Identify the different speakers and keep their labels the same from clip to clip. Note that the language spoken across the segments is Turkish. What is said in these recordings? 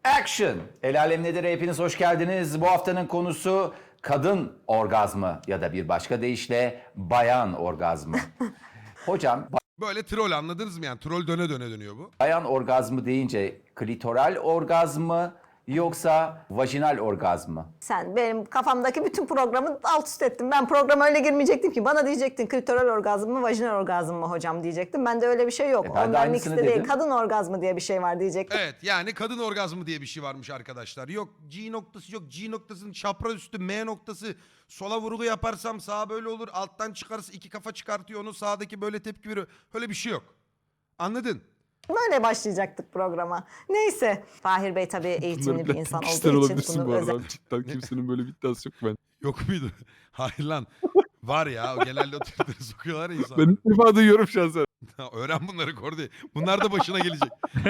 Speaker 1: Action! El Alem Nedir? Hepiniz hoş geldiniz. Bu haftanın konusu kadın orgazmı ya da bir başka deyişle bayan orgazmı. Hocam,
Speaker 2: Böyle troll, anladınız mı yani? Troll döne döne dönüyor bu.
Speaker 1: bayan orgazmı deyince klitoral orgazmı yoksa vajinal orgazmı?
Speaker 3: Sen benim kafamdaki bütün programı alt üst ettin. Ben programa öyle girmeyecektim ki. Bana diyecektin klitoral orgazm mı, vajinal orgazm mı hocam diyecektim. Ben de öyle bir şey yok.
Speaker 1: Ben de
Speaker 3: Onların
Speaker 1: aynısını
Speaker 3: ikisi de değil.
Speaker 1: dedim.
Speaker 3: Kadın orgazmı diye bir şey var diyecektim.
Speaker 2: Evet, yani kadın orgazmı diye bir şey varmış arkadaşlar. Yok G noktası, yok G noktasının çapraz üstü M noktası. Sola vurgu yaparsam sağa böyle olur. Alttan çıkarsa iki kafa çıkartıyor onu. Sağdaki böyle tepki veriyor. Öyle bir şey yok. Anladın?
Speaker 3: Böyle başlayacaktık programa. Neyse. Fahir Bey tabii eğitimli bir insan
Speaker 4: Kişisel
Speaker 3: olduğu için
Speaker 4: olabilirsin
Speaker 3: bunu
Speaker 4: bu arada.
Speaker 3: özel...
Speaker 4: Cidden kimsenin böyle bir iddiası yok ben.
Speaker 2: Yok muydu? Hayır lan. Var ya, o genelde o Twitter'ı sokuyorlar ya insan.
Speaker 4: Ben ilk defa duyuyorum şahsen.
Speaker 2: Öğren bunları Kordi. Bunlar da başına gelecek.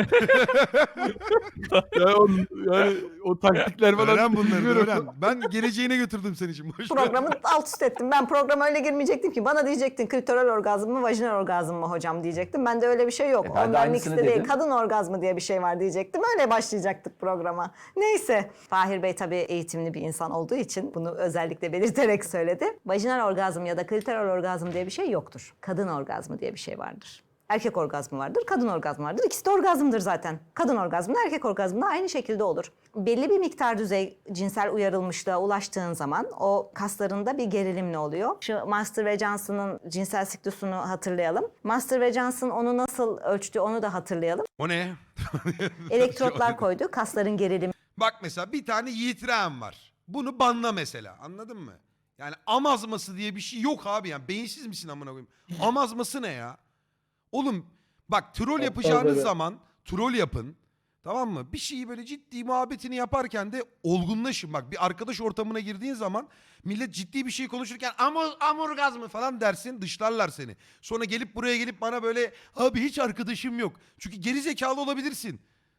Speaker 4: Yani o taktikler falan.
Speaker 2: Öğren bunları da
Speaker 4: bilmiyorum.
Speaker 2: öğren. Ben geleceğine götürdüm seni şimdi. Boş ver.
Speaker 3: Programı alt üst ettim. Ben programa öyle girmeyecektim ki. Bana diyecektin klitoral orgazm mı, vajinal orgazm mı hocam diyecektim. Ben de öyle bir şey yok.
Speaker 1: Ben de
Speaker 3: Onların
Speaker 1: aynısını
Speaker 3: ikisi de değil.
Speaker 1: dedim.
Speaker 3: Kadın orgazmı diye bir şey var diyecektim. Öyle başlayacaktık programa. Neyse. Fahir Bey tabii eğitimli bir insan olduğu için bunu özellikle belirterek söyledi. Vajinal orgazm ya da klitoral orgazm diye bir şey yoktur. Kadın orgazmı diye bir şey vardır. Erkek orgazmı vardır, kadın orgazmı vardır. İkisi de orgazmdır zaten. Kadın orgazmı da erkek orgazmı da aynı şekilde olur. Belli bir miktar düzey cinsel uyarılmışlığa ulaştığın zaman o kaslarında bir gerilim ne oluyor? Şu Master ve Johnson'ın cinsel siklusunu hatırlayalım. Master ve Johnson onu nasıl ölçtü onu da hatırlayalım.
Speaker 2: O ne?
Speaker 3: Elektrotlar koydu, kasların gerilimi
Speaker 2: Bak mesela bir tane yiğitiren var. Bunu banla mesela, anladın mı? Yani amazması diye bir şey yok abi yani. Beyinsiz misin amına koyayım? Amazması ne ya? Oğlum bak, troll yapacağınız zaman troll yapın. Tamam mı? Bir şeyi böyle ciddi muhabbetini yaparken de olgunlaşın. Bak, bir arkadaş ortamına girdiğin zaman millet ciddi bir şey konuşurken amorgazmı falan dersin, dışlarlar seni. Sonra buraya gelip bana böyle abi hiç arkadaşım yok. Çünkü geri zekalı olabilirsin.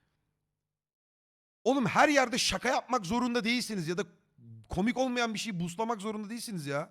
Speaker 2: Oğlum her yerde şaka yapmak zorunda değilsiniz ya da komik olmayan bir şeyi buslamak zorunda değilsiniz ya.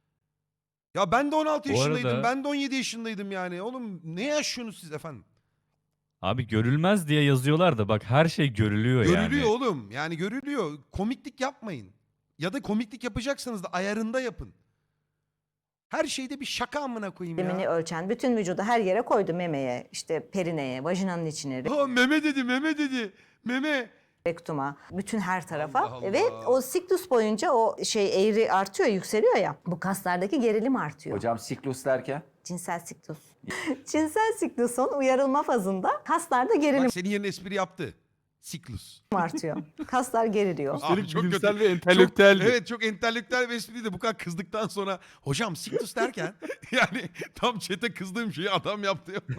Speaker 2: Ya ben de 16
Speaker 5: Bu
Speaker 2: yaşındaydım,
Speaker 5: arada-
Speaker 2: ben de 17 yaşındaydım yani. Oğlum ne yaşıyorsunuz siz efendim?
Speaker 5: Abi görülmez diye yazıyorlar da bak her şey görülüyor yani.
Speaker 2: Görülüyor oğlum. Yani görülüyor. Komiklik yapmayın. Ya da komiklik yapacaksanız da ayarında yapın. Her şeyde bir şaka amına koyayım ya.
Speaker 3: ölçen bütün vücudu her yere koydu. Memeye, işte perineye, vajinanın içine,
Speaker 2: Ha, meme dedi, meme dedi. Meme.
Speaker 3: rektuma, bütün her tarafa
Speaker 2: Allah Allah.
Speaker 3: ve o siklus boyunca o şey eğri artıyor, yükseliyor ya. Bu kaslardaki gerilim artıyor.
Speaker 1: Hocam siklus derken?
Speaker 3: Cinsel siklus. Cinsel siklusun uyarılma fazında kaslarda gerilim
Speaker 2: Bak senin yerine espri yaptı. Siklus.
Speaker 3: artıyor. Kaslar geriliyor.
Speaker 2: Abi
Speaker 4: Üstelik bilimsel
Speaker 2: kötü.
Speaker 4: ve entelektüel
Speaker 2: Çok,
Speaker 4: bir-
Speaker 2: evet, çok entelektüel bir espriydi. Bu kadar kızdıktan sonra hocam siklus derken yani tam çete kızdığım şeyi adam yaptı ya.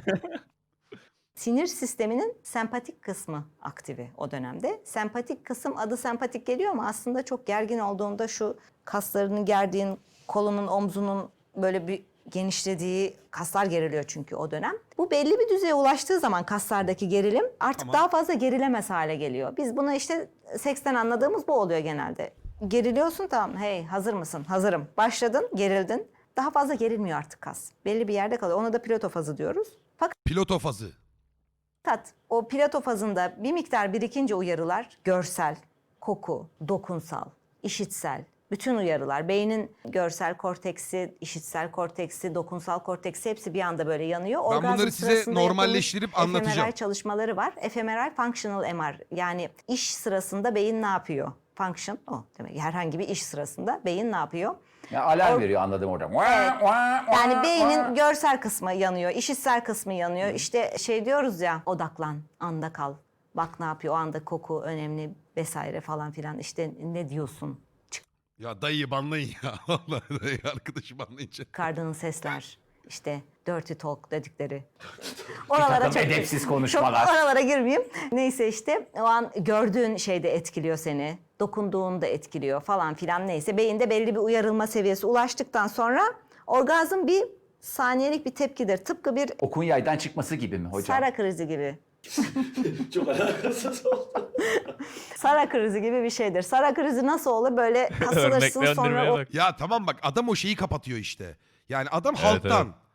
Speaker 3: Sinir sisteminin sempatik kısmı aktive o dönemde. Sempatik kısım adı sempatik geliyor ama aslında çok gergin olduğunda şu kaslarını gerdiğin, kolunun, omzunun böyle bir genişlediği kaslar geriliyor çünkü o dönem. Bu belli bir düzeye ulaştığı zaman kaslardaki gerilim artık
Speaker 2: Tamam.
Speaker 3: daha fazla gerilemez hale geliyor. Biz buna işte seksten anladığımız bu oluyor genelde. Geriliyorsun, tamam, hey hazır mısın? Hazırım. Başladın, gerildin. Daha fazla gerilmiyor artık kas. Belli bir yerde kalıyor. Ona da plato fazı diyoruz.
Speaker 2: Piloto fazı.
Speaker 3: Fakat o plato fazında bir miktar birikince uyarılar, görsel, koku, dokunsal, işitsel, bütün uyarılar, beynin görsel korteksi, işitsel korteksi, dokunsal korteksi hepsi bir anda böyle yanıyor.
Speaker 2: Ben
Speaker 3: Orgazm
Speaker 2: bunları size
Speaker 3: sırasında
Speaker 2: normalleştirip
Speaker 3: yapılmış
Speaker 2: anlatacağım.
Speaker 3: fMRI çalışmaları var. fMRI functional MR, yani iş sırasında beyin ne yapıyor? Function o demek. Herhangi bir iş sırasında beyin ne yapıyor?
Speaker 1: Ya alarm veriyor, anladım oradan.
Speaker 3: Yani beynin görsel kısmı yanıyor, işitsel kısmı yanıyor. İşte şey diyoruz ya, odaklan, anda kal. Bak ne yapıyor, o anda koku önemli vesaire falan filan. İşte ne diyorsun?
Speaker 2: Ya dayıyı banlayın ya. Vallahi dayı arkadaşı banlayınca.
Speaker 3: Çıkardığın sesler, işte dirty talk dedikleri.
Speaker 1: takım edepsiz konuşmalar.
Speaker 3: Çok oralara girmeyeyim. Neyse işte o an gördüğün şey de etkiliyor seni. Dokunduğun da etkiliyor falan filan, neyse. Beyinde belli bir uyarılma seviyesi ulaştıktan sonra orgazm bir saniyelik bir tepkidir. Tıpkı bir
Speaker 1: Okun yaydan çıkması gibi mi hocam?
Speaker 3: Sara krizi gibi.
Speaker 6: Çok alakasız oldu.
Speaker 3: Sara krizi gibi bir şeydir. Sara krizi nasıl olur? Böyle kasılırsın sonra
Speaker 5: Örneklendirmeye
Speaker 3: o
Speaker 5: bak.
Speaker 2: Ya tamam bak, adam o şeyi kapatıyor işte. Yani adam
Speaker 5: Evet,
Speaker 2: halktan.
Speaker 5: evet.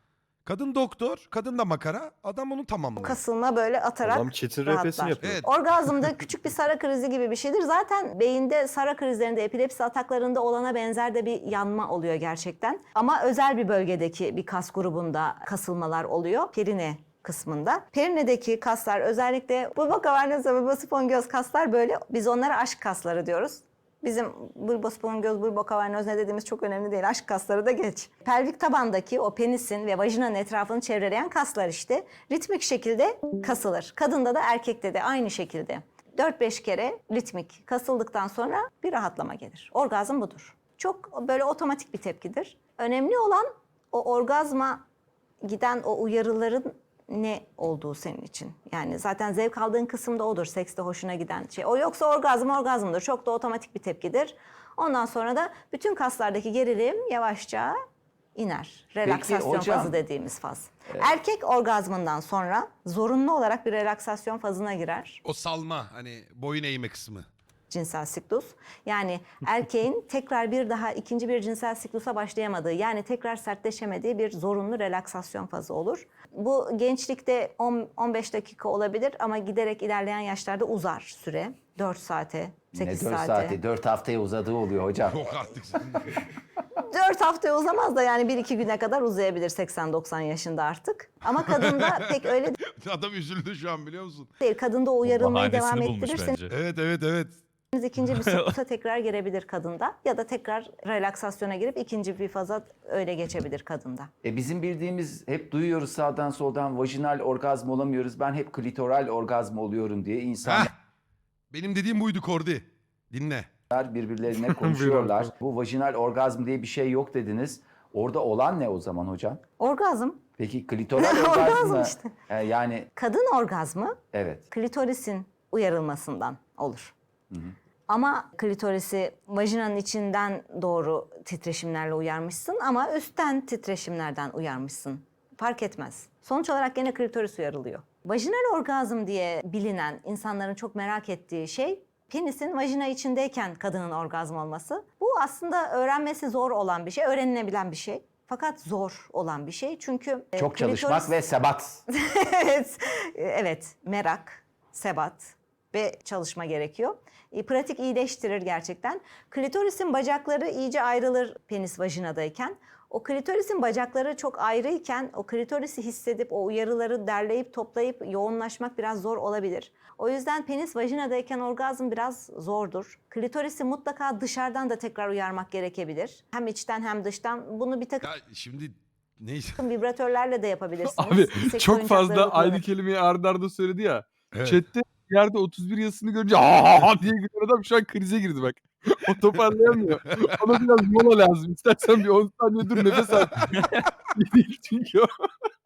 Speaker 2: Kadın doktor, kadın da makara. Adam onu tamamlıyor.
Speaker 3: Kasılma böyle atarak
Speaker 7: Adam çetin
Speaker 3: rahatlar.
Speaker 7: refesini yapıyor.
Speaker 2: Evet.
Speaker 3: Orgazmda küçük bir sara krizi gibi bir şeydir. Zaten beyinde sara krizlerinde, epilepsi ataklarında olana benzer de bir yanma oluyor gerçekten. Ama özel bir bölgedeki bir kas grubunda kasılmalar oluyor. Perine kısmında. Perinedeki kaslar özellikle bulba kavernoz ve bulba spongioz kaslar böyle. Biz onlara aşk kasları diyoruz. Bizim bulba spongioz, bulba kavernoz ne dediğimiz çok önemli değil. Aşk kasları da geç. Pelvik tabandaki o penisin ve vajinanın etrafını çevreleyen kaslar işte ritmik şekilde kasılır. Kadında da erkekte de aynı şekilde. 4-5 kere ritmik kasıldıktan sonra bir rahatlama gelir. Orgazm budur. Çok böyle otomatik bir tepkidir. Önemli olan o orgazma giden o uyarıların ne olduğu senin için. Yani zaten zevk aldığın kısım da odur. Sekste hoşuna giden şey. O yoksa orgazmdır. Çok da otomatik bir tepkidir. Ondan sonra da bütün kaslardaki gerilim yavaşça iner. Relaksasyon
Speaker 1: hocam,
Speaker 3: fazı dediğimiz faz. Erkek orgazmından sonra zorunlu olarak bir relaksasyon fazına girer.
Speaker 2: O salma hani boyun eğme kısmı.
Speaker 3: Cinsel siklus. Yani erkeğin tekrar bir daha ikinci bir cinsel siklusa başlayamadığı, yani tekrar sertleşemediği bir zorunlu relaksasyon fazı olur. Bu gençlikte 15 dakika olabilir ama giderek ilerleyen yaşlarda uzar süre. 4 saate, 8
Speaker 1: Ne 4
Speaker 3: saate.
Speaker 1: saati? 4 haftaya uzadığı oluyor hocam.
Speaker 2: Yok artık.
Speaker 3: 4 haftaya uzamaz da yani 1-2 güne kadar uzayabilir 80-90 yaşında artık. Ama kadında pek öyle
Speaker 2: Adam üzüldü şu an biliyor musun?
Speaker 3: değil. Kadında o uyarılmayı devam
Speaker 5: Bahanesini bulmuş
Speaker 3: ettirirseniz
Speaker 5: bence.
Speaker 2: Evet.
Speaker 3: ikinci bir siklusa tekrar girebilir kadında. Ya da tekrar relaksasyona girip ikinci bir faza öyle geçebilir kadında.
Speaker 1: Bizim bildiğimiz hep duyuyoruz sağdan soldan vajinal orgazm olamıyoruz. Ben hep klitoral orgazm oluyorum diye insanlar
Speaker 2: Heh. Benim dediğim buydu Kordi. Dinle.
Speaker 1: birbirlerine konuşuyorlar. Bu vajinal orgazm diye bir şey yok dediniz. Orada olan ne o zaman hocam?
Speaker 3: Orgazm,
Speaker 1: Peki klitoral orgazm
Speaker 3: Orgazm
Speaker 1: mı?
Speaker 3: işte.
Speaker 1: Yani
Speaker 3: kadın orgazmı
Speaker 1: evet.
Speaker 3: klitorisin uyarılmasından olur. Ama klitorisi vajinanın içinden doğru titreşimlerle uyarmışsın ama üstten titreşimlerden uyarmışsın. Fark etmez. Sonuç olarak gene klitoris uyarılıyor. Vajinal orgazm diye bilinen, insanların çok merak ettiği şey penisin vajina içindeyken kadının orgazm olması. Bu aslında öğrenmesi zor olan bir şey, öğrenilebilen bir şey. Fakat zor olan bir şey çünkü
Speaker 1: Çok çalışmak ve sebat.
Speaker 3: evet, merak, sebat ve çalışma gerekiyor. Pratik iyileştirir gerçekten. Klitorisin bacakları iyice ayrılır penis vajinadayken. O klitorisin bacakları çok ayrıyken o klitorisi hissedip o uyarıları derleyip toplayıp yoğunlaşmak biraz zor olabilir. O yüzden penis vajinadayken orgazm biraz zordur. Klitorisi mutlaka dışarıdan da tekrar uyarmak gerekebilir. Hem içten hem dıştan. Bunu bir takım
Speaker 2: Ya şimdi neyse.
Speaker 3: vibratörlerle de yapabilirsiniz.
Speaker 4: Abi
Speaker 3: Seks
Speaker 4: çok
Speaker 3: oyuncakları
Speaker 4: fazla aynı
Speaker 3: kullanarak.
Speaker 4: kelimeyi arda arda söyledi ya.
Speaker 2: Evet.
Speaker 4: Chat'te yerde 31 yazısını görünce aa diye gülen adam şu an krize girdi bak. O toparlayamıyor. Ona biraz mola lazım. İstersen bir 10 saniye dur nefes al. Değil çünkü o.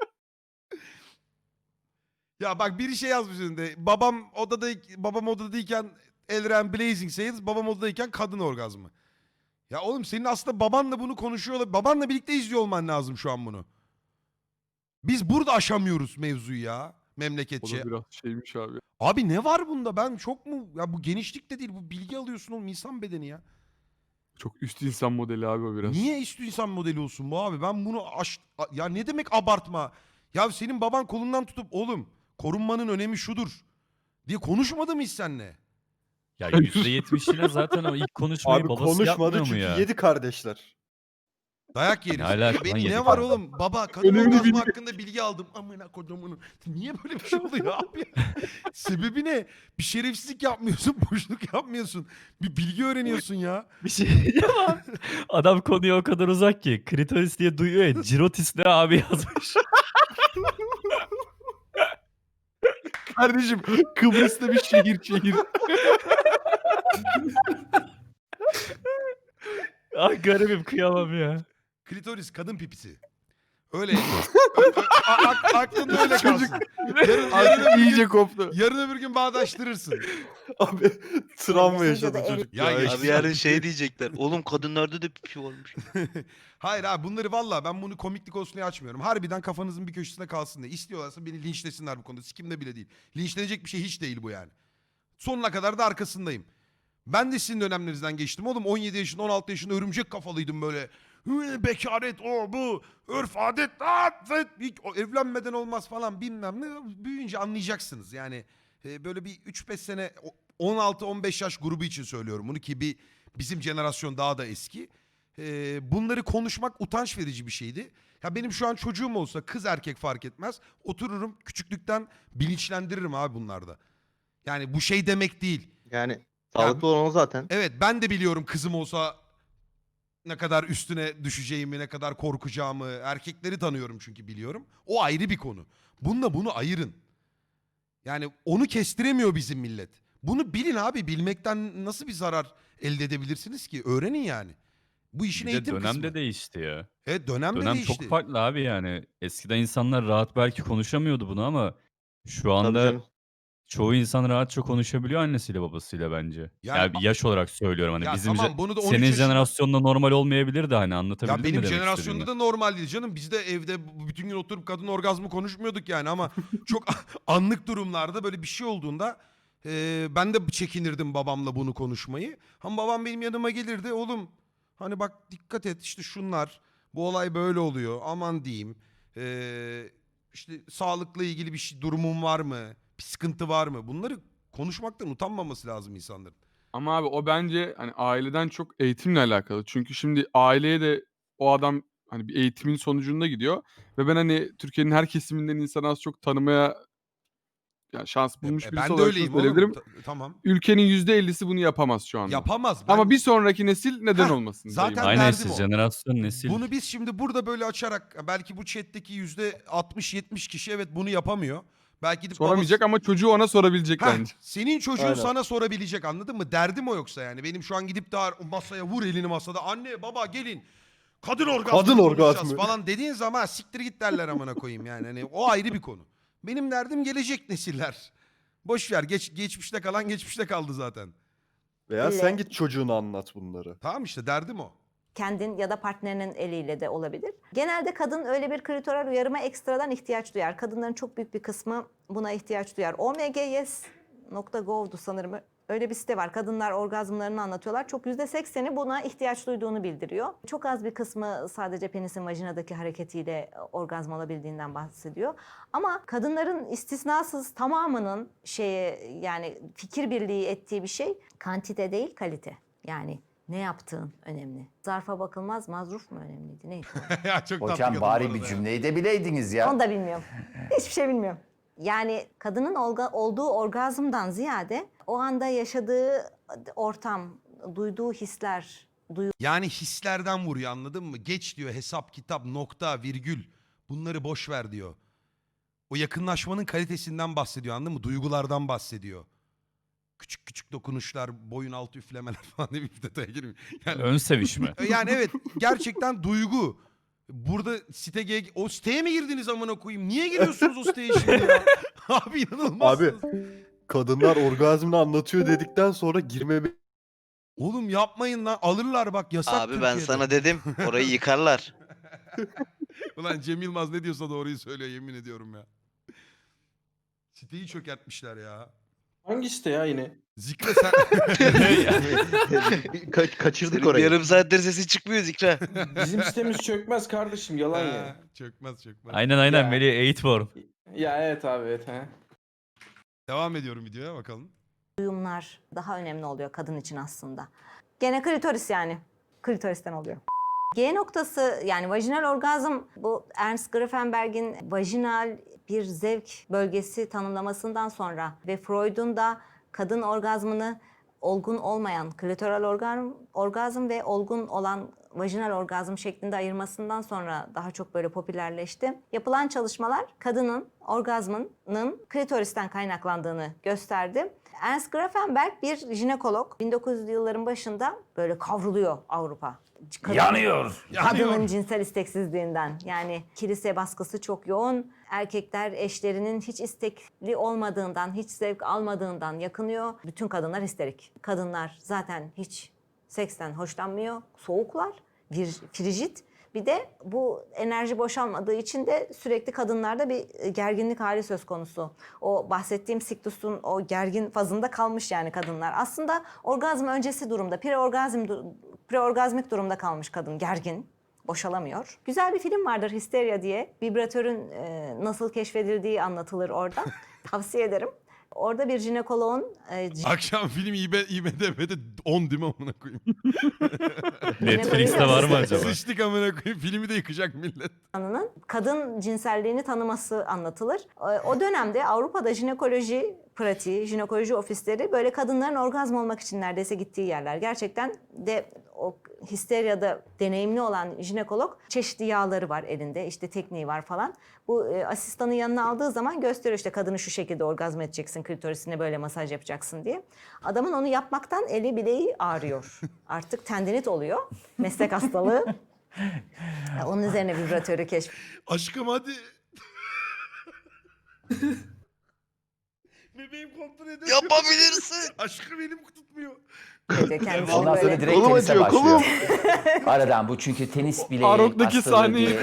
Speaker 2: Ya bak biri şey yazmış önünde. Babam odadayken Elren Blazing Sales, babam odadayken kadın orgazmı. Ya oğlum senin aslında babanla bunu konuşuyor. Babanla birlikte izliyor olman lazım şu an bunu. Biz burada aşamıyoruz mevzuyu ya.
Speaker 4: O
Speaker 2: Memleketçe.
Speaker 4: da biraz şeymiş abi.
Speaker 2: Abi ne var bunda? Ben çok mu? Ya bu genişlik de değil. Bu bilgi alıyorsun oğlum insan bedeni ya.
Speaker 4: Çok üst insan modeli abi o biraz.
Speaker 2: Niye üstü insan modeli olsun bu abi? Ben bunu ya ne demek abartma? Ya senin baban kolundan tutup oğlum korunmanın önemi şudur diye konuşmadı mı hiç seninle?
Speaker 5: Ya %70'ine zaten o ilk konuşmayı
Speaker 7: Abi
Speaker 5: babası
Speaker 7: konuşmadı
Speaker 5: yapmıyor mu
Speaker 7: çünkü
Speaker 5: ya?
Speaker 7: 7 kardeşler.
Speaker 2: Dayak yeriz.
Speaker 5: Ne alaka lan,
Speaker 2: Ne
Speaker 5: yedi
Speaker 2: var
Speaker 5: tane?
Speaker 2: oğlum? Baba kadın
Speaker 4: Önemli
Speaker 2: orgazmı
Speaker 4: bilgi.
Speaker 2: hakkında bilgi aldım. Amına kodumun. Niye böyle bir şey oluyor abi? Sebebi ne? Bir şerefsizlik yapmıyorsun, boşluk yapmıyorsun. Bir bilgi öğreniyorsun ya.
Speaker 5: Bir şey diyeceğim abi. Adam konuya o kadar uzak ki. Klitoris diye duyuyor ya. Cirotis ne abi yazmış.
Speaker 4: Kardeşim Kıbrıs'ta bir şehir.
Speaker 5: Ah garibim kıyamam ya.
Speaker 2: Klitoris kadın pipisi. Öyle. Aklında öyle kalsın. Yarın
Speaker 4: Artık iyice koptu.
Speaker 2: Yarın öbür gün bağdaştırırsın.
Speaker 7: Abi travma
Speaker 3: Videoda
Speaker 7: yaşadı
Speaker 3: el-
Speaker 7: çocuk.
Speaker 2: Ya
Speaker 7: Ya.
Speaker 2: geçti.
Speaker 6: Abi yarın şey diyecekler. Oğlum kadınlarda da pipi varmış.
Speaker 2: Hayır abi bunları valla ben bunu komiklik olsun diye açmıyorum. Harbiden kafanızın bir köşesinde kalsın diye. İstiyorlarsa beni linçlesinler bu konuda. Sikimde bile değil. Linçlenecek bir şey hiç değil bu yani. Sonuna kadar da arkasındayım. Ben de sizin dönemlerinizden geçtim oğlum. 17 yaşında 16 yaşında örümcek kafalıydım böyle. Bekaret o bu. Örf adet. O evlenmeden olmaz falan bilmem ne. Büyüyünce anlayacaksınız. Yani böyle bir 3-5 sene 16-15 yaş grubu için söylüyorum bunu ki bizim jenerasyon daha da eski. Bunları konuşmak utanç verici bir şeydi. Ya benim şu an çocuğum olsa kız erkek fark etmez. Otururum küçüklükten bilinçlendiririm abi bunlarda. Yani bu şey demek değil.
Speaker 7: Yani sağlıklı olan o zaten.
Speaker 2: Evet ben de biliyorum kızım olsa ne kadar üstüne düşeceğimi, ne kadar korkacağımı. Erkekleri tanıyorum çünkü biliyorum. O ayrı bir konu. Bununla bunu ayırın. Yani onu kestiremiyor bizim millet. Bunu bilin abi. Bilmekten nasıl bir zarar elde edebilirsiniz ki? Öğrenin yani. Bu işin
Speaker 5: Bir de
Speaker 2: eğitim
Speaker 5: dönem
Speaker 2: kısmı.
Speaker 5: de değişti ya.
Speaker 2: Evet dönem de
Speaker 5: Dönem
Speaker 2: değişti.
Speaker 5: çok farklı abi yani. Eskiden insanlar rahat belki konuşamıyordu bunu ama şu
Speaker 7: Tabii
Speaker 5: anda
Speaker 7: canım.
Speaker 5: çoğu insan rahatça konuşabiliyor annesiyle babasıyla bence.
Speaker 2: Yani-
Speaker 5: Yani bir yaş olarak söylüyorum hani
Speaker 2: Ya
Speaker 5: bizim
Speaker 2: tamam, bunu da 13
Speaker 5: senin
Speaker 2: yaşında-
Speaker 5: jenerasyonda normal olmayabilir de hani
Speaker 2: Ya
Speaker 5: anlatabildim mi
Speaker 2: benim
Speaker 5: demek
Speaker 2: jenerasyonda
Speaker 5: istediğimi?
Speaker 2: da normal değil canım. Biz de evde bütün gün oturup kadın orgazmı konuşmuyorduk yani ama çok anlık durumlarda böyle bir şey olduğunda ben de çekinirdim babamla bunu konuşmayı. Ama babam benim yanıma gelirdi. Oğlum hani bak dikkat et işte şunlar, bu olay böyle oluyor aman diyeyim. İşte sağlıkla ilgili bir şey durumun var mı? Bir sıkıntı var mı? Bunları konuşmaktan utanmaması lazım insanların.
Speaker 4: Ama abi o bence hani aileden çok eğitimle alakalı. Çünkü şimdi aileye de o adam hani bir eğitimin sonucunda gidiyor ve ben hani Türkiye'nin her kesiminden insanı az çok tanımaya şans bulmuş birisi
Speaker 2: Ben de
Speaker 4: olarak şunu
Speaker 2: öyleyim oğlum.
Speaker 4: söyleyebilirim.
Speaker 2: Tamam.
Speaker 4: Ülkenin %50'si bunu yapamaz şu anda.
Speaker 2: Yapamaz.
Speaker 4: Ama bir sonraki nesil neden
Speaker 2: Heh,
Speaker 4: olmasın?
Speaker 2: zaten
Speaker 4: dayım.
Speaker 5: Aynı
Speaker 2: derdim
Speaker 5: nesil,
Speaker 2: o.
Speaker 5: jenerasyon, nesil.
Speaker 2: Bunu biz şimdi burada böyle açarak belki bu chat'teki %60-70 kişi evet bunu yapamıyor. Belki gidip
Speaker 4: Soramayacak ama çocuğu ona sorabilecek
Speaker 2: Heh,
Speaker 4: bence.
Speaker 2: senin çocuğun
Speaker 7: Aynen.
Speaker 2: sana sorabilecek, anladın mı? Derdim o yoksa yani. Benim şu an gidip de masaya vur elini masada. Anne baba gelin. Kadın orgazmı
Speaker 7: Kadın
Speaker 2: konuşacağız
Speaker 7: orgazmı.
Speaker 2: falan dediğin zaman siktir git derler amına koyayım yani. Hani o ayrı bir konu. Benim derdim gelecek nesiller. Boş ver, geçmişte kalan geçmişte kaldı zaten.
Speaker 7: Veya
Speaker 3: Öyle.
Speaker 7: sen git çocuğuna anlat bunları.
Speaker 2: Tamam işte derdim o.
Speaker 3: Kendin ya da partnerinin eliyle de olabilir. Genelde kadın öyle bir klitoral uyarıma ekstradan ihtiyaç duyar. Kadınların çok büyük bir kısmı buna ihtiyaç duyar. omgyes.gov'du sanırım. Öyle bir site var. Kadınlar orgazmlarını anlatıyorlar. Çok %80'i buna ihtiyaç duyduğunu bildiriyor. Çok az bir kısmı sadece penisin vajinadaki hareketiyle orgazm olabildiğinden bahsediyor. Ama kadınların istisnasız tamamının yani fikir birliği ettiği bir şey kantite değil kalite. Yani ne yaptığın önemli. Zarfa bakılmaz, mazruf mu önemliydi? Neydi?
Speaker 2: Ya çok tatlı
Speaker 1: Hocam
Speaker 2: kadın bu
Speaker 1: bari
Speaker 2: arada
Speaker 1: bir
Speaker 2: ya.
Speaker 1: cümleyi de bileydiniz ya.
Speaker 3: Onu da bilmiyorum. Hiçbir şey bilmiyorum. Yani kadının olduğu orgazmdan ziyade o anda yaşadığı ortam, duyduğu hisler,
Speaker 2: Yani hislerden vuruyor, anladın mı? Geç diyor, hesap, kitap, nokta, virgül. Bunları boş ver diyor. O yakınlaşmanın kalitesinden bahsediyor, anladın mı? Duygulardan bahsediyor. Küçük küçük dokunuşlar, boyun altı üflemeler falan diye bir detaya girmiyor. Yani,
Speaker 5: Ön sevişme.
Speaker 2: yani evet gerçekten duygu. Burada o siteye mi girdiniz amına koyayım? Niye giriyorsunuz o siteye şimdi ya? Abi inanılmazsınız.
Speaker 7: Kadınlar orgazmını anlatıyor dedikten sonra girmeme
Speaker 2: Oğlum yapmayın lan, alırlar bak, yasak
Speaker 6: Abi ben
Speaker 2: Türkiye'de.
Speaker 6: sana dedim orayı yıkarlar.
Speaker 2: Ulan Cem Yılmaz ne diyorsa doğruyu söylüyor, yemin ediyorum ya. Siteyi çökertmişler ya.
Speaker 8: Hangi site ya yine?
Speaker 2: Zikre sen...
Speaker 7: kaçırdık
Speaker 6: Senin
Speaker 7: orayı.
Speaker 6: yarım saattir sesi çıkmıyor Zikra.
Speaker 8: Bizim sitemiz çökmez kardeşim yalan ya.
Speaker 2: Ha, çökmez.
Speaker 5: Aynen
Speaker 8: Ya.
Speaker 5: Melih 8 form.
Speaker 8: Ya evet abi evet ha.
Speaker 2: Devam ediyorum videoya bakalım.
Speaker 3: duyumlar daha önemli oluyor kadın için aslında. Gene klitoris yani. Klitoristen oluyor. G noktası yani vajinal orgazm bu Ernst Grafenberg'in vajinal bir zevk bölgesi tanımlamasından sonra ve Freud'un da kadın orgazmını olgun olmayan klitoral orgazm ve olgun olan vajinal orgazm şeklinde ayırmasından sonra daha çok böyle popülerleşti. Yapılan çalışmalar kadının orgazmının klitoristen kaynaklandığını gösterdi. Ernst Grafenberg bir jinekolog. 1900'lü yılların başında böyle kavruluyor Avrupa.
Speaker 1: Yanıyor.
Speaker 3: Kadının cinsel isteksizliğinden. Yani kilise baskısı çok yoğun. Erkekler eşlerinin hiç istekli olmadığından, hiç zevk almadığından yakınıyor. Bütün kadınlar histerik. Kadınlar zaten hiç seksten hoşlanmıyor. Soğuklar, frigid. Bir de bu enerji boşalmadığı için de sürekli kadınlarda bir gerginlik hali söz konusu. O bahsettiğim siktusun o gergin fazında kalmış yani kadınlar. Aslında orgazm öncesi durumda, preorgazmik durumda kalmış kadın, gergin. boşalamıyor. Güzel bir film vardır Hysteria diye. Vibratörün nasıl keşfedildiği anlatılır orada. Tavsiye ederim. Orada bir jinekoloğun
Speaker 2: Akşam film IMDb'de 10 değil mi amına koyayım?
Speaker 5: Netflix'te var mı acaba?
Speaker 2: Sıçtık amına koyayım. Filmi de yıkacak millet.
Speaker 3: insanının kadın cinselliğini tanıması anlatılır. O dönemde Avrupa'da jinekoloji pratiği, jinekoloji ofisleri böyle kadınların orgazm olmak için neredeyse gittiği yerler. Gerçekten de o histeryada deneyimli olan jinekolog çeşitli yağları var elinde, işte tekniği var falan. Bu asistanı yanına aldığı zaman gösteriyor işte kadını şu şekilde orgazm edeceksin, klitorisine böyle masaj yapacaksın diye. Adamın onu yapmaktan eli bileği ağrıyor. Artık tendinit oluyor, meslek hastalığı. Onun üzerine vibratörü
Speaker 2: Aşkım hadi. Bebeğim kontrol ediyor.
Speaker 6: Yapabilirsin.
Speaker 2: Aşkım elim tutmuyor.
Speaker 3: keşfediyor. Kendisi
Speaker 1: Ondan
Speaker 3: böyle-
Speaker 1: sonra direkt
Speaker 7: Kolum
Speaker 1: tenise
Speaker 7: acıyor,
Speaker 1: başlıyor. Aradan bu çünkü tenis bileği
Speaker 4: Faruk'taki
Speaker 1: hastalığı
Speaker 4: sahneyi
Speaker 1: diye.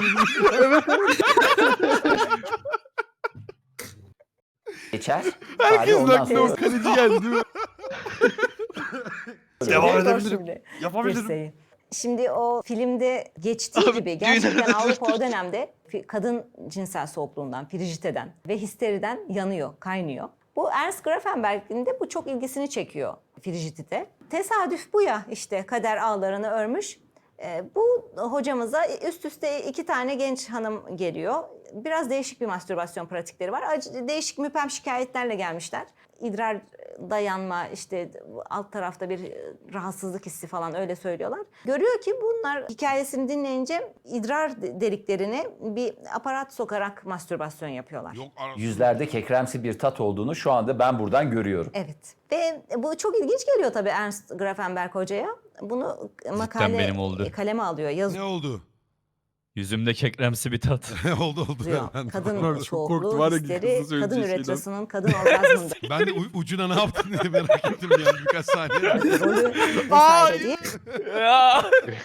Speaker 1: Geçer. Bari
Speaker 4: herkes
Speaker 1: ondan
Speaker 4: aklına o
Speaker 1: sonra
Speaker 4: kaleci geldi değil mi?
Speaker 7: Devam
Speaker 3: Dur
Speaker 7: edebilirim.
Speaker 3: şimdi.
Speaker 7: Yapabilirim.
Speaker 3: Dirseği. Şimdi o filmde geçtiği
Speaker 6: Abi,
Speaker 3: gibi gerçekten
Speaker 6: düğünlerde
Speaker 3: Avrupa o dönemde kadın cinsel soğukluğundan, frijiteden ve histeriden yanıyor, kaynıyor. Bu Ernst Grafenberg'in de bu çok ilgisini çekiyor frijitide. Tesadüf bu ya işte kader ağlarını örmüş. Bu hocamıza üst üste 2 tane genç hanım geliyor. Biraz değişik bir mastürbasyon pratikleri var. Değişik müphem şikayetlerle gelmişler. İdrar dayanma, işte alt tarafta bir rahatsızlık hissi falan öyle söylüyorlar. Görüyor ki bunlar hikayesini dinleyince idrar deliklerine bir aparat sokarak mastürbasyon yapıyorlar.
Speaker 2: Yok arası.
Speaker 1: yüzlerde kekremsi bir tat olduğunu şu anda ben buradan görüyorum.
Speaker 3: Evet. Ve bu çok ilginç geliyor tabii Ernst Grafenberg hocaya. Bunu
Speaker 5: benim oldu.
Speaker 3: kaleme alıyor,
Speaker 2: Ne
Speaker 3: yazıyor.
Speaker 2: oldu?
Speaker 5: Yüzümde kekremsi bir tat.
Speaker 2: oldu. Ben de-
Speaker 3: Kadın
Speaker 4: Çok korktu,
Speaker 3: çoğukluğu,
Speaker 4: var ya
Speaker 3: histeri,
Speaker 4: kızın söyleyeceği
Speaker 3: kadın
Speaker 4: şeyden.
Speaker 3: üretrasının kadın orgazmında
Speaker 2: Ben de ucuna ne yaptın diye merak ettim yani birkaç saniye.
Speaker 3: rolü vesaire diye
Speaker 4: Ya.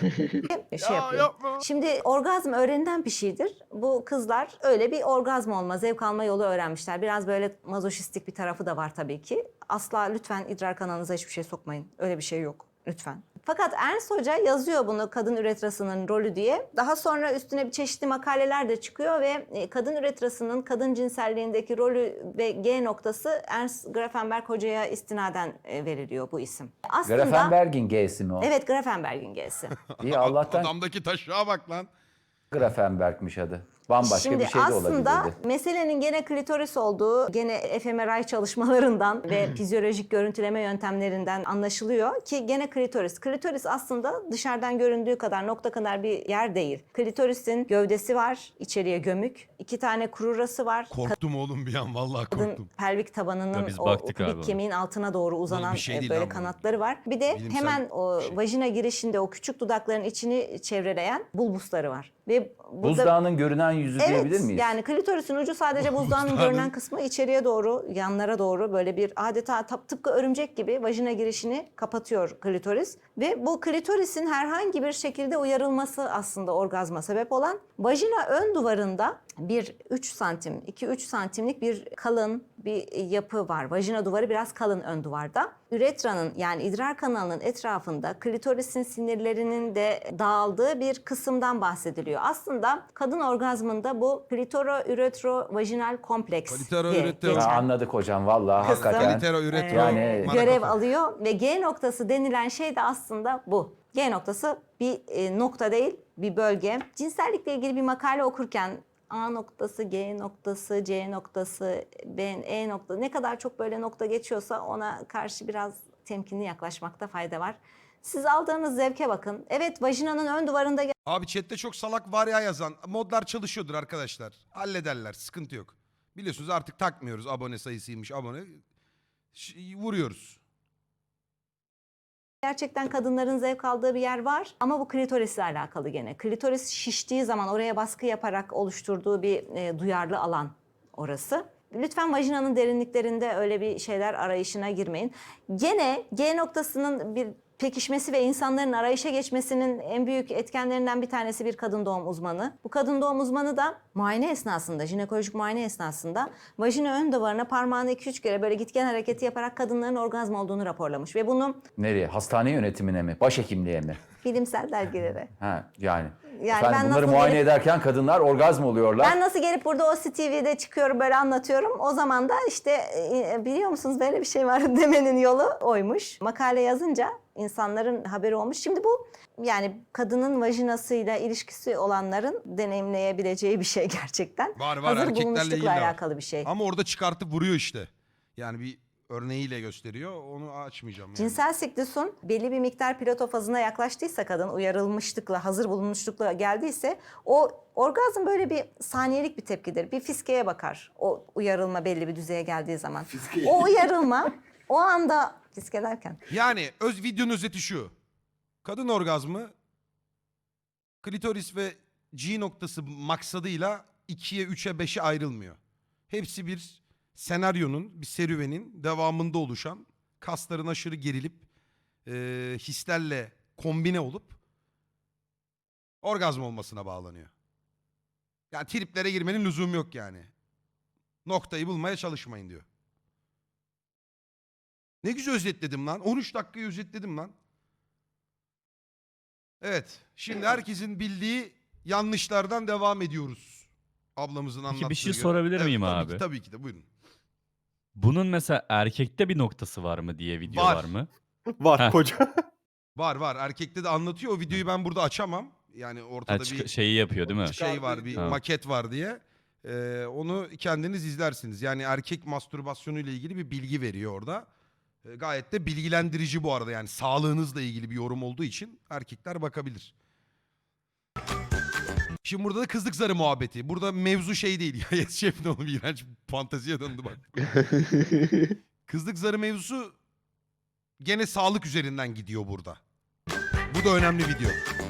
Speaker 3: şey yapıyor. Şimdi orgazm öğrenilen bir şeydir. Bu kızlar öyle bir orgazm olma, zevk alma yolu öğrenmişler. Biraz böyle mazoşistik bir tarafı da var tabii ki. Asla lütfen idrar kanalınıza hiçbir şey sokmayın. Öyle bir şey yok. Lütfen. Fakat Ernst Hoca yazıyor bunu kadın üretrasının rolü diye. Daha sonra üstüne bir çeşitli makaleler de çıkıyor ve kadın üretrasının kadın cinselliğindeki rolü ve G noktası Ernst Grafenberg Hoca'ya istinaden veriliyor bu isim. Aslında
Speaker 1: Grafenberg'in G'si mi o?
Speaker 3: evet Grafenberg'in G'si.
Speaker 1: İyi Allah'tan
Speaker 2: Adamdaki taşığa bak lan.
Speaker 1: Grafenberg'miş adı. Bambaşka
Speaker 3: Şimdi
Speaker 1: bir şey de
Speaker 3: aslında
Speaker 1: olabilirdi.
Speaker 3: meselenin gene klitoris olduğu, gene fMRI çalışmalarından ve fizyolojik görüntüleme yöntemlerinden anlaşılıyor ki gene klitoris. Klitoris aslında dışarıdan göründüğü kadar nokta kadar bir yer değil. Klitorisin gövdesi var, içeriye gömük. 2 tane krurası var.
Speaker 2: Korktum oğlum bir an vallahi
Speaker 3: Kadın
Speaker 2: korktum.
Speaker 3: pelvik tabanının
Speaker 5: Ya biz
Speaker 3: o
Speaker 5: baktık abi
Speaker 3: kubik
Speaker 5: ona.
Speaker 3: kemiğin altına doğru uzanan
Speaker 2: bir şey değil
Speaker 3: böyle
Speaker 2: lan bu.
Speaker 3: kanatları var. Bir de
Speaker 2: Bilimsel
Speaker 3: hemen o
Speaker 2: şey.
Speaker 3: vajina girişinde o küçük dudakların içini çevreleyen bulbusları var. Ve burada
Speaker 1: Buzdağının görünen yüzü diyebilir miyiz?
Speaker 3: yani klitorisin ucu sadece buzdağının
Speaker 2: Buzdağının-
Speaker 3: görünen kısmı içeriye doğru, yanlara doğru böyle bir adeta tıpkı örümcek gibi vajina girişini kapatıyor klitoris. Ve bu klitorisin herhangi bir şekilde uyarılması aslında orgazma sebep olan vajina ön duvarında bir 3 santim, 2-3 santimlik bir kalın bir yapı var. Vajina duvarı biraz kalın ön duvarda. Üretranın yani idrar kanalının etrafında klitorisin sinirlerinin de dağıldığı bir kısımdan bahsediliyor. Aslında kadın orgazmında bu klitoro-üretro-vajinal kompleks
Speaker 2: Klitoro-
Speaker 3: diye
Speaker 2: üretro-
Speaker 3: geçen
Speaker 1: Ya anladık hocam vallahi
Speaker 3: Kısım-
Speaker 1: hakikaten.
Speaker 2: Litero, üretro,
Speaker 1: Yani-
Speaker 2: mara
Speaker 3: görev
Speaker 2: kafa.
Speaker 3: alıyor ve G noktası denilen şey de aslında bu. G noktası bir nokta değil, bir bölge. Cinsellikle ilgili bir makale okurken A noktası, G noktası, C noktası, B, E noktası ne kadar çok böyle nokta geçiyorsa ona karşı biraz temkinli yaklaşmakta fayda var. Siz aldığınız zevke bakın. Evet vajinanın ön duvarında
Speaker 2: Abi chatte çok salak var ya yazan. Modlar çalışıyordur arkadaşlar. Hallederler sıkıntı yok. Biliyorsunuz artık takmıyoruz abone sayısıymış abone. Vuruyoruz.
Speaker 3: gerçekten kadınların zevk aldığı bir yer var ama bu klitorisle alakalı gene. Klitoris şiştiği zaman oraya baskı yaparak oluşturduğu bir duyarlı alan orası. Lütfen vajinanın derinliklerinde öyle bir şeyler arayışına girmeyin. Gene G noktasının bir pekişmesi ve insanların arayışa geçmesinin en büyük etkenlerinden bir tanesi bir kadın doğum uzmanı. Bu kadın doğum uzmanı da muayene esnasında, jinekolojik muayene esnasında vajina ön duvarına parmağını 2-3 kere böyle gitgen hareketi yaparak kadınların orgazm olduğunu raporlamış. Ve bunu
Speaker 1: Nereye? Hastane yönetimine mi? Başhekimliğe mi?
Speaker 3: bilimsel dergilere.
Speaker 1: Ha, yani.
Speaker 3: Yani
Speaker 1: Efendim,
Speaker 3: ben
Speaker 1: bunları
Speaker 3: nasıl
Speaker 1: muayene
Speaker 3: gelip-
Speaker 1: ederken kadınlar orgazm oluyorlar.
Speaker 3: Ben nasıl gelip burada o TV'de çıkıyorum böyle anlatıyorum. O zaman da işte biliyor musunuz böyle bir şey var demenin yolu oymuş. Makale yazınca insanların haberi olmuş. Şimdi bu yani kadının vajinasıyla ilişkisi olanların deneyimleyebileceği bir şey gerçekten.
Speaker 2: Var,
Speaker 3: Hazır
Speaker 2: erkeklerle
Speaker 3: bulunmuşlukla
Speaker 2: ilgili de var.
Speaker 3: alakalı bir şey.
Speaker 2: Ama orada çıkartıp vuruyor işte. Yani bir örneğiyle gösteriyor. Onu açmayacağım yani.
Speaker 3: Cinsel siklusun belli bir miktar pilotofazına yaklaştıysa kadın uyarılmışlıkla, hazır bulunmuşlukla geldiyse o orgazm böyle bir saniyelik bir tepkidir. Bir fiskeye bakar o uyarılma belli bir düzeye geldiği zaman. O uyarılma o anda fiske derken
Speaker 2: Yani videonun özeti şu. Kadın orgazmı klitoris ve G noktası maksadıyla 2'ye, 3'e, 5'e ayrılmıyor. Hepsi bir senaryonun, bir serüvenin devamında oluşan, kasların aşırı gerilip hislerle kombine olup orgazm olmasına bağlanıyor. Yani triplere girmenin lüzumu yok yani. Noktayı bulmaya çalışmayın diyor. Ne güzel özetledim lan. 13 dakikayı özetledim lan. Evet. Şimdi herkesin bildiği yanlışlardan devam ediyoruz. Ablamızın anlattığı
Speaker 5: bir şey
Speaker 2: göre.
Speaker 5: sorabilir miyim
Speaker 2: tabii
Speaker 5: abi?
Speaker 2: Ki, tabii ki de buyurun.
Speaker 5: Bunun mesela erkekte bir noktası var mı diye video
Speaker 2: Var.
Speaker 5: var mı?
Speaker 7: Var
Speaker 5: Heh.
Speaker 7: koca.
Speaker 2: Var. Erkekte de anlatıyor. O videoyu ben burada açamam. Yani ortada bir
Speaker 5: Şeyi yapıyor değil mi?
Speaker 2: şey var, bir
Speaker 5: Ha.
Speaker 2: maket var diye. Onu kendiniz izlersiniz. Yani erkek mastürbasyonu ile ilgili bir bilgi veriyor orada. Gayet de bilgilendirici bu arada. Yani sağlığınızla ilgili bir yorum olduğu için erkekler bakabilir. Şimdi burada da kızlık zarı muhabbeti. Burada mevzu şey değil. Ya Yes Şef ne oğlum, iğrenç fanteziye döndü bak. Kızlık zarı mevzusu gene sağlık üzerinden gidiyor burada. Bu da önemli video.